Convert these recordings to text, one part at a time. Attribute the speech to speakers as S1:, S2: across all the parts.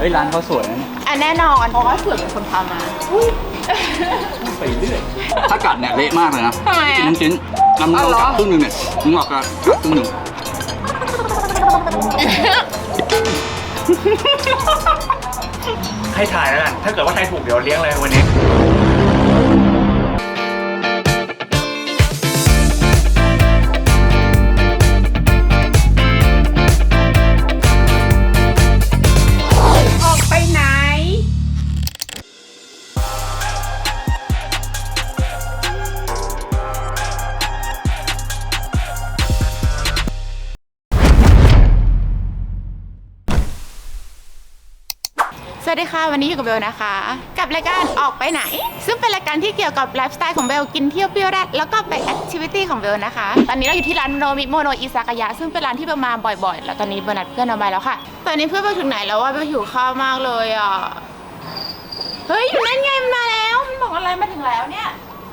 S1: ฮ้ยร้านเขาสวยนะ
S2: แน่นอนเพราะว่าเสือเป็นคนพามา
S1: ไปเรื่อยถ้ากัดเนี่ยเละมากเลยนะ
S2: ทำไมอ่ะ
S1: ชิ้นน้ำมันกัดครึ่งหนึ่งเนี่ยมึงออกกัดครึ่งหนึ่ง
S3: ให้ถ่ายแล้วกันถ้าเกิดว่าถ่ายถูกเดี๋ยวเลี้ยงเลยวันนี้
S2: ออกไปไหนสวัสดีค่ะวันนี้อยู่กับเบลนะคะกับรายการออกไปไหนซึ่งเป็นรายการที่เกี่ยวกับไลฟ์สไตล์ของเบลกินเที่ยวเปรี้ยวแรดแล้วก็ไปแอคทิวิตี้ของเบลนะคะตอนนี้เราอยู่ที่ร้านโนมิโมโนอิซากายะซึ่งเป็นร้านที่เบลมาบ่อยๆแล้วตอนนี้เบลนัดเพื่อนเอาไปแล้วค่ะตอนนี้เพื่อนเบลถึงไหนแล้วว่าเบลหิวข้าวมากเลยอ่ะเฮ้ยอยู่นั่นไงมันมาแล้วมันบอกอะไรมาถึงแล้วเนี่ย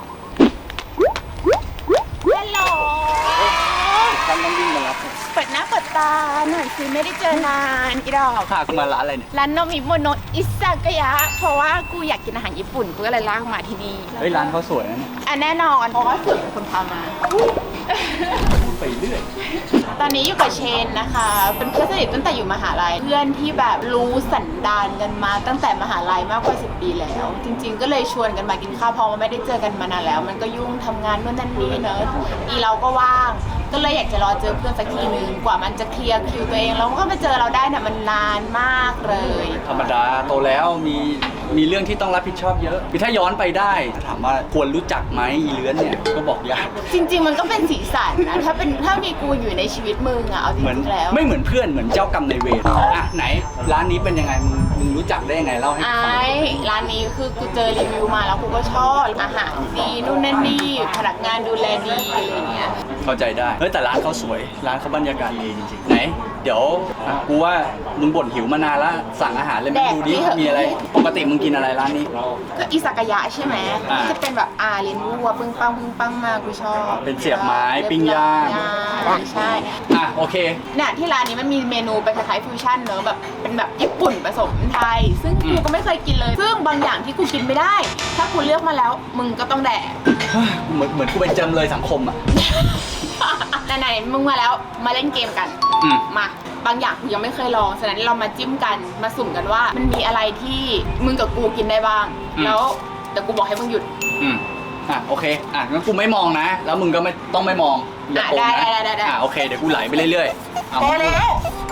S2: ฮัลโหล
S1: ฉันต้องวิ่งมารับ
S2: เปิดหน้าเปิดตาหน่อยสิไม่ได้เจอนานอีดอก
S1: พากูมาร้านอะไรเนี่ย
S2: ร้านโนมิโมโนอิซากายะเพราะว่ากูอยากกินอาหารญี่ปุ่นกูก็เลยลากมาที่นี่
S1: เฮ้ยร้านเขาสวยนะเนี่ย
S2: แน่นอนเพราะว่าเสือเป็นคนพามา
S1: ไปเรื่อย
S2: ตอนนี้อยู่กับเชนนะคะเป็นเพื่อนสนิทตั้งแต่อยู่มหาลัยเพื่อนที่แบบรู้สันดานกันมาตั้งแต่มหาลัยมากกว่า10 ปีแล้วจริงๆก็เลยชวนกันมากินข้าวเพราะว่าไม่ได้เจอกันมานานแล้วมันก็ยุ่งทำงานนู่นนั่นนี่เนอะอีเราก็ว่างก็เลยอยากจะรอเจอเพื่อนสักทีนึงกว่ามันจะเคลียร์คิวตัวเองแล้วก็มาเจอเราได้เนี่ยมันนานมากเลย
S1: ธรรมดาโตแล้วมีเรื่องที่ต้องรับผิดชอบเยอะถ้าย้อนไปได้ถามว่าควรรู้จักไหมอีเลื้อนเนี่ยก็บอกยาก
S2: จริงๆมันก็เป็นสีสันนะถ้ามีกูอยู่ในชีวิตมึงอะเอาจริงๆแล้ว
S1: ไม่เหมือนเพื่อนเหมือนเจ้ากรรมนายเวรอ่ะไหนร้านนี้เป็นยังไงมึงรู้จักได้ยังไงเล่าให้ฟัง
S2: ร้านนี้คือกูเจอรีวิวมาแล้วกูก็ชอบอาหารดีนู่นนั่นนี่พนักงานดูแลดีอะไรเงี้ย
S1: เข้าใจได้เฮ้ยแต่ร้านเขาสวยร้านเขาบรรยากาศดีจริงๆไหนเดี๋ยวกูว่ามึงบ่นหิวมานานแล้วสั่งอาหารเลยไม่ดูดิมีอะไรปกติมึงกินอะไรร้านนี้
S2: ก็อิซากายะใช่ไหมจะเป็นแบบเลี้ยงวัวปึ้งปังมากกูชอบ
S1: เป็นเสียบไม้ปิ้งย่าง
S2: ใช่
S1: โอเค
S2: เนี่ยที่ร้านนี้มันมีเมนูเป็นคล้ายๆฟิวชั่นเนอะแบบเป็นแบบญี่ปุ่นผสมไทยซึ่งกูก็ไม่เคยกินเลยซึ่งบางอย่างที่กูกินไม่ได้ถ้ากูเลือกมาแล้วมึงก็ต้องแดก
S1: เหมือนกูเป็นจำเลยสังคมอ่ะ
S2: ไหนๆมึงมาแล้วมาเล่นเกมกันมาบางอย่างกูยังไม่เคยลองฉะนั้นเรามาจิ้มกันมาสุ่มกันว่ามันมีอะไรที่มึงกับกูกินได้บ้างแล้วเดี๋ยวกูบอกให้มึงหยุด
S1: โอเคงั้นกูไม่มองนะแล้วมึงก็ไม่ต้องไม่มองอย่าโกงนะโอเคเดี๋ยวกูไหลไปเรื่อยๆ
S2: พอแล้ว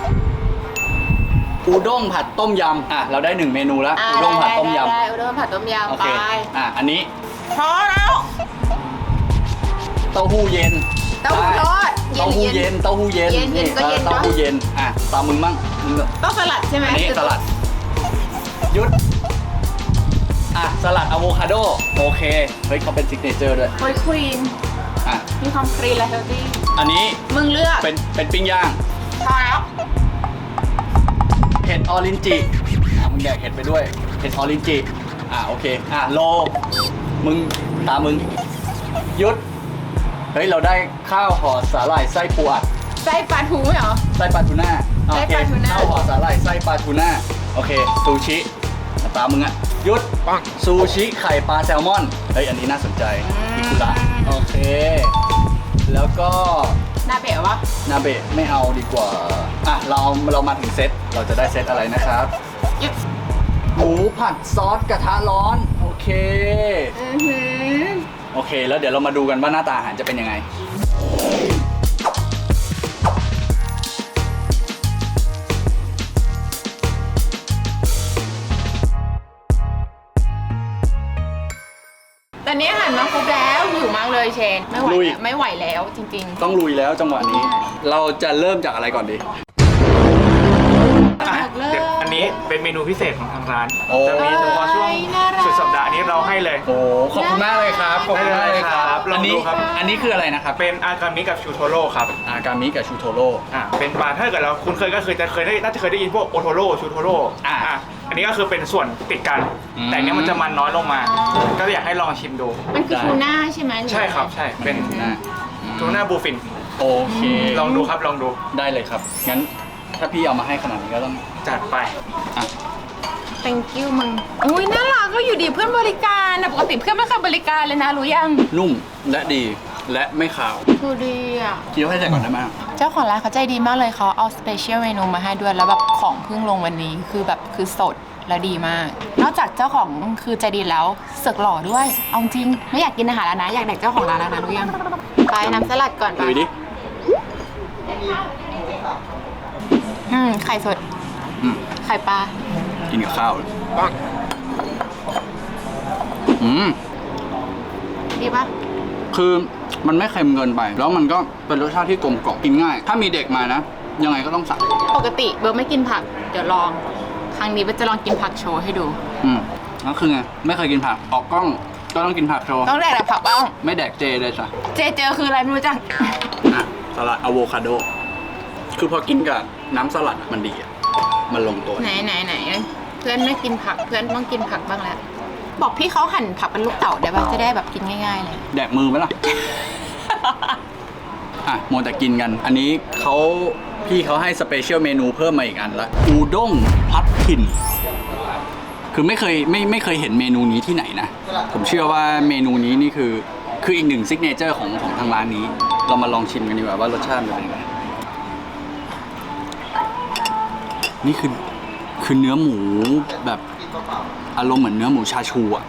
S1: อูด้งผัดต้มยำเราได้1เมนูแล้วอูด้งผัดต้มยำ
S2: อูด้งผัดต้มยำไป
S1: อันนี้
S2: พอแล้ว
S1: เต้าหู้เย็น
S2: เต้าหู้ทอด
S1: เต้าหู้เย็นนี่เต้าหู้เย็นตามมึงมั่ง
S2: ต้องสลัดใช่ไหม
S1: นี่สลัดยุดสลัดอะโวคาโดโอเคเฮ้ยเขาเป็นซิกเนเจอร์ด้วย
S2: โอ้ยครีนมีความครีนและเฮลตี้
S1: อันนี้
S2: มึงเลือก
S1: เป็นปิ้งย่าง
S2: พอแล้ว
S1: เห็ดออรินจิมึงแดกเห็ดไปด้วยเห็ดออรินจิโอเคโลมึงตามมึงยุดเฮ้ยเราได้ข้าวห่อสาหร่ายไส้ปูอัด
S2: ไส้ปลาทูเหรอ
S1: ไส้ปลาทูน่าโอเคข้าวห่อสาหร่ายไส้ปลาทูน่าโอเคซูชิตามมึงยุดซูชิไข่ปลาแซลมอนเฮ้ยอันนี้น่าสนใจอิคุระโอเคแล้วก็
S2: นาเบะวะ
S1: นาเบะไม่เอาดีกว่าเรามาถึงเซตเราจะได้เซตอะไรนะครับหมูผัดซอสกระทะร้อนโอเคโอเคแล้วเดี๋ยวเรามาดูกันว่าหน้าตาอาหารจะเป็นยังไง
S2: ตอนนี้อาหารมาครบแล้วหิวมากเลยเชนไม่ไหวแล้วจริง
S1: ๆต้องลุยแล้วจังหวะนี้เราจะเริ่มจากอะไรก่อนดี
S3: อันนี้เป็นเมนูพิเศษของทางร้านจะมีเฉพาะช่วงสุดสัปดาห์นี้เราให้เลย
S1: ขอบคุณมากเลยครับขอบคุณมากเลยครับ
S3: ลองดูครับ
S1: อันนี้คืออะไรนะครับ
S3: เป็นอากามิกับชูโทโร่ครับ
S1: อากามิกับชูโทโร่
S3: เป็นปลาถ้าเกิดเราคุณเคยน่าจะเคยได้ยินพวกโอโทโร่ชูโทโร่อันนี้ก็คือเป็นส่วนติดกันแต่เนี้ยมันจะมันน้อยลงมาก็อยากให้ลองชิมดู
S2: มันคือทูน่าใช่ไหม
S3: ใช่ครับใช่เป็นทูน่าบูฟิน
S1: โอเค
S3: ลองดูครับลองดู
S1: ได้เลยครับงั้นถ้าพี่เอามาให้ขนาดนี้ก็ต้อง
S3: จัดไป
S2: thank you มึงอุ้ยน่ารักก็อยู่ดีเพื่อนบริการนะปกติเพื่อนไม่เคยบริการเลยนะรู้ยัง
S1: นุ่มและดีและไม่ขาว
S2: ดูดีอ่ะ
S1: เคี้ยวให้ใส่ก่อนได้ไหม
S2: เจ้าของร้านเขาใจดีมากเลยเขาเอาสเปเชียลเมนูมาให้ด้วยแล้วแบบของเพิ่งลงวันนี้คือแบบคือสดและดีมาก นอกจากเจ้าของคือใจดีแล้วเสือกหล่อด้วยเอาจริงไม่อยากกินอาหารแล้วนะอยากแดกเจ้าของร้านแล้วนะรู้ยังไปน้ำสลัดก่อนไป
S1: ดูดิ
S2: ไข่สด
S1: อืม
S2: ไข่ปลา
S1: กินกับข้าวเลยอืม
S2: ดีปะ
S1: คือมันไม่เค็มเกินไป แล้วมันก็เป็นรสชาติที่กลมกล่อมกินง่าย ถ้ามีเด็กมานะ ยังไงก็ต้องสั่ง
S2: ปกติเบลไม่กินผักเดี๋ยวลองครั้งนี้เบลจะลองกินผักโชว์ให้ดู
S1: ก็คือไง ไม่เคยกินผัก ออกกล้องก็ต้องกินผักโชว์
S2: ต้องแดกแต่ผักบ้าง
S1: ไม่แดกเจเลยจ้ะ
S2: เจอคืออะไรไม่รู้จัก
S1: อ่ะสลัดอะโวคาโด คือพอกินกับน้ำสลัดอะมันดีอะมันลงตัว
S2: ไหนเพื่อนไม่กินผักเพื่อนต้องกินผักบ้างแล้วบอกพี่เขาหั่นผักเป็นลูกเต๋าได้ปะจะได้แบบกินง่ายๆเลย
S1: แดกมือไหมล่ะ อ่ะโมวแต่กินกัน อันนี้พี่เขาให้สเปเชียลเมนูเพิ่มมาอีกอันละอูด้งพัดถิ่น คือไม่เคยเห็นเมนูนี้ที่ไหนนะ ผมเชื่อว่าเมนูนี้นี่คืออีกหนึ่งซิกเนเจอร์ของทางร้านนี้ เรามาลองชิมกันดีกว่าว่ารสชาติมันเป็นยังไง นี่คือเนื้อหมูแบบอารมณ์เหมือนเนื้อหมูชาชูอะ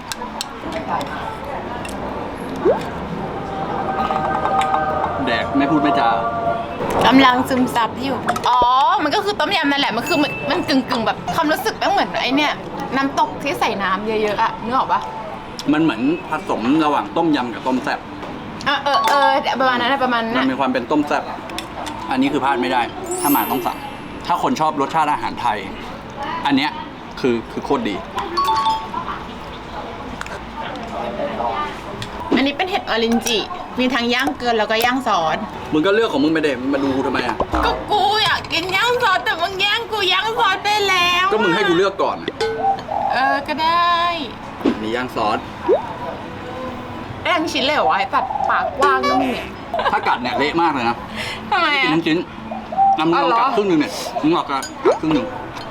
S1: แดกไม่พูดไม่จาก
S2: ำลังซึมซับอยู่อ๋อมันก็คือต้มยำนั่นแหละมันคือมันกึ่งแบบความรู้สึกเหมือนไอ้เนี่ยน้ำตกที่ใส่น้ำเยอะๆอะนึกออกปะ
S1: มันเหมือนผสมระหว่างต้มยำกับต้มแซ่บ
S2: ประมาณนั้นนะประมาณ
S1: มั
S2: นั้น น
S1: มีความเป็นต้มแซ่บ อันนี้คือพลาดไม่ได้ ถ้ามาต้องสั่ง ถ้าคนชอบรสชาติอาหารไทย อันเนี้ยคือโคตรดี
S2: อันนี้เป็นเห็ดออรินจิมีทั้งย่างเกลือแล้วก็ย่างซอส
S1: มึงก็เลือกของมึงไปเด็มาดูกูทำไมอ่ะ
S2: ก็กูอยากกินย่างซอสแต่มึงแย่งกูย่างซอสไปแล้ว
S1: ก็มึงให้กูเลือกก่อนอะ
S2: ก็ได้
S1: อันนี้ย่างซอส
S2: ได้ทั้งชิ้นเลยเหรอวะไอ้ตัดปากกว้างนะมึงเนี่ย
S1: ถ้ากัดเนี่ยเละมากเลยนะ
S2: ทำไม
S1: กิน
S2: อะ
S1: ทั้งชิ้นนำมึงลองกัดครึ่งหนึงเนี่ยมึงลองกัดครึ่งหนึง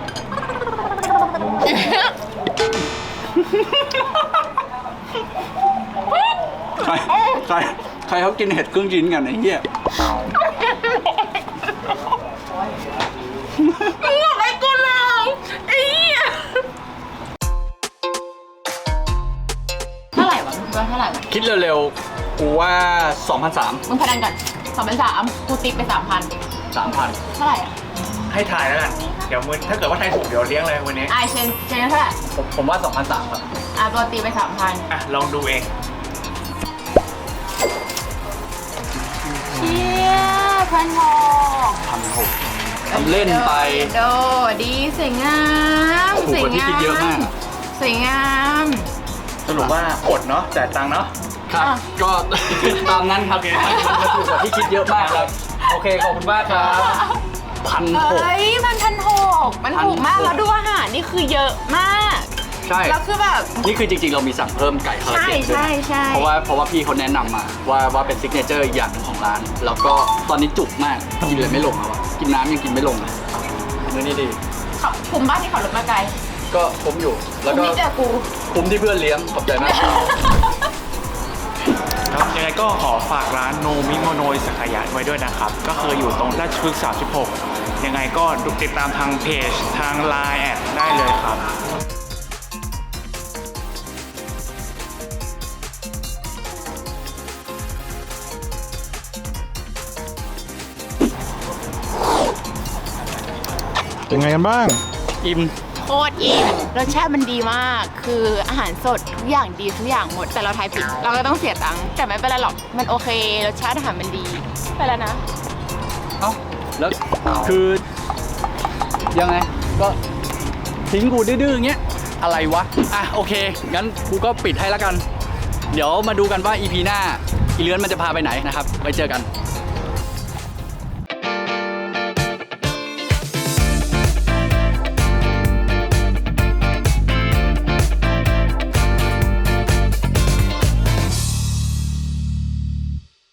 S1: ใครเขากินเห็ดครึ่งชิ้นกันไอ้เหี้ย
S2: มึงบอกให้กูลองไอ้เหี้ยเท่าไหร่วะมึงว่าเท่าไหร่วะ
S1: คิดเร็วๆ กูว่า 2,300
S2: มึงพนันก่อน2,300กูติ๊กไป 3,000
S1: 3,000
S2: เท่าไหร่อ่ะ
S3: ให้ถ่ายแล้วกันเดี๋ยวถ้าเกิดว่าทายถูกเดี๋ยวเลี้ยงเลยวันนี้
S2: เชนเท่าไหร่
S1: ผมว่า 2,300 ครับ
S2: ตัวตีไป 3,000
S3: อ่ะลองดูเอง
S2: เชี่ย1,600
S1: 1,600 ทำเล่นไป
S2: โดดีสวยงาม
S1: ถูกกว่าที่คิดเยอะมาก
S2: สวยงาม
S3: สรุปว่าอดเนาะจ่ายตังค์เนาะ
S1: ครับ ก็ ตามนั้นครับมันถูกกว่าที่คิดเยอะมากครับ โอเค ขอบคุณมากครับ 1,600
S2: เฮ้ย1,600มันถูกมากแล้วดูอาหารนี่คือเยอะมาก
S1: ใช่
S2: แล้วคือแบบ
S1: นี่คือจริงๆ เรามีสั่งเพิ่มไก่คาราเกะด้วย
S2: ใช่
S1: เพราะว่าพี่เขาแนะนำมาว่าเป็นซิกเนเจอร์อีกอย่างหนึ่งของร้าน แล้วก็ตอนนี้จุกมาก กินเลยไม่ลงแล้วอะกินน้ำยังกินไม่ลงเลยเนื้อนี่ดี
S2: คุ้มบ้านที่ขับรถมาไกล
S1: ก็คุ้มอยู่ แล้ว
S2: คุ้ม
S1: ก็
S2: ที่เจอกู
S1: คุ้มที่เพื่อนเลี้ยง ขอบใจมาก
S3: ครับยังไงก็ขอฝากร้านโนมิโมโนอิซากายะไว้ด้วยนะครับ ก็คืออยู่ตรงราชพฤกษ์36 ยังไงก็ติดตามทางเพจทาง Line แอดได้เลยครับ
S4: เป็นไงกันบ้าง
S1: อิ่ม
S2: โคตรอิ่มรสชาติมันดีมาก คืออาหารสดทุกอย่างดีทุกอย่างหมด แต่เราทายผิด เราก็ต้องเสียตังค์ แต่ไม่เป็นไรหรอก มันโอเค รสชาติอาหารมันดี ไปแล้วนะ
S1: เอ้า แล้วคือ ยังไง ก็ทิ้งกูดื้อๆอย่างเงี้ย อะไรวะ อ่ะ โอเค งั้นกูก็ปิดให้แล้วกัน เดี๋ยวมาดูกันว่า EP หน้าอีเลื้อนมันจะพาไปไหนนะครับ ไว้เจอกัน